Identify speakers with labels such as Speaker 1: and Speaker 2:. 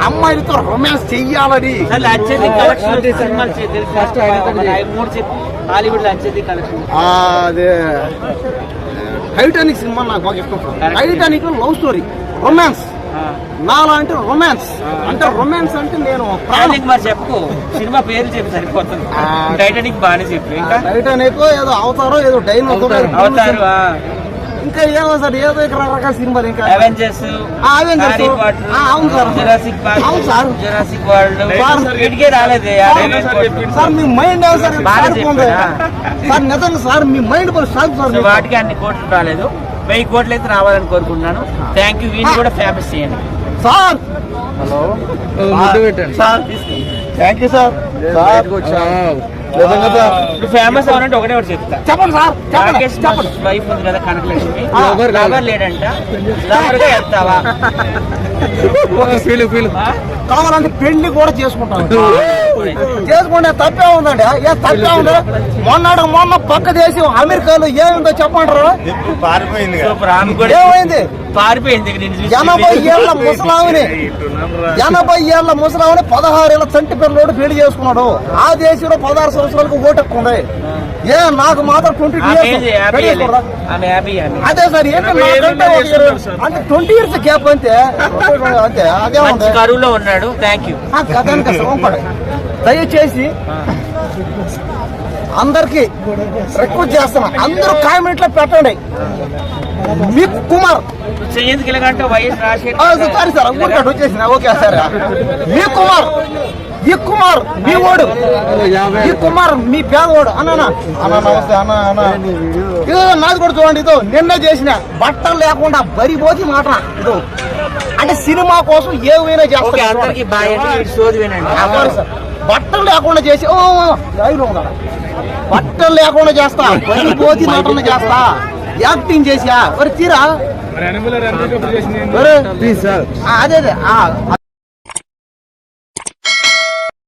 Speaker 1: అమ్మాయిలతో రొమాన్స్ చెయ్యాలని. అదే టైటానిక్ సినిమా నాకు బాగా ఇష్టం. Titanic love story, romance. నాలా అంటే రొమాన్స్ అంటే రొమాన్స్ అంటే నేను
Speaker 2: చెప్పు, సినిమా పేరు చెప్పి సరిపోతుంది. టైటానిక్ బాగానే చెప్పు.
Speaker 1: టైటానిక్ ఏదో అవతారో ఏదో డైన్
Speaker 2: అవతారు,
Speaker 1: ఇంకా ఏమో సార్ ఏదో రకరకాల సినిమాలు. ఇంకా
Speaker 2: అవెంజర్స్,
Speaker 1: అవును సార్,
Speaker 2: జురాసిక్ పార్క్,
Speaker 1: అవును సార్,
Speaker 2: జురాసిక్ వరల్డ్ వీటికే రాలేదే
Speaker 1: సార్. మీ మైండ్ సార్ సార్ నిజంగా సార్ మీ మైండ్ సార్
Speaker 2: వాటికి అన్ని కోట్లు రాలేదు. 1000 కోట్లు అయితే రావాలని కోరుకుంటున్నాను. Thank you. వీటిని కూడా ఫేమస్ చేయండి
Speaker 1: sir.
Speaker 3: Hello
Speaker 1: sir, thank you sir.
Speaker 2: Famous అవ్వాలంటే ఒకటే ఒకటి చెప్తా.
Speaker 1: చెప్పండి సార్,
Speaker 2: రాకేష్ వైఫ్ ఉంది కదా కనకలక్ష్మి, లవర్ లేడంట. లవర్ గా వెళ్తావా?
Speaker 1: కావాలంటే పెళ్లి కూడా చేసుకుంటాను. చేసుకుంటే తప్పే ఉందండి. ఏ తప్పే ఉంది? మొన్న పక్క దేశం అమెరికాలో ఏముందో చెప్పంటారు. ఏమైంది?
Speaker 2: పారిపోయింది.
Speaker 1: 80 ఏళ్ల ముసలావిని 16 ఏళ్ల చంటి పిల్లడు పెళ్లి చేసుకున్నాడు. ఆ దేశంలో 16 సంవత్సరాలకు ఓటెక్కు ఉంది. ఏ నాకు మాత్రం 20 ఇయర్స్. అదే సార్, అంటే 20 ఇయర్స్ గ్యాప్ అంతే. అదే ఉంది.
Speaker 2: కరువులో ఉన్నాడు. Thank you.
Speaker 1: దయచేసి అందరికి రిక్వెస్ట్ చేస్తున్నా, అందరూ కామెంట్ లో పెట్టండి. మీ కుమార్ సారీ సార్, వచ్చేసిన ఓకే సార్. ఈ కుమార్ మీ ఓడు, ఈ కుమార్ మీ పేదవాడు. అన్న నమస్తే అన్న. ఇదో నాది కూడా చూడండి. ఇదో నిన్న చేసిన బట్టలు లేకుండా బరిపోతి మాట. ఇదో అంటే సినిమా కోసం ఏమైనా చేస్తారు. బట్టలు లేకుండా చేసి బట్టలు లేకుండా చేస్తా, బరిపోతి నటన చేస్తా, యాక్టింగ్ చేసా. మరి తీరా అదే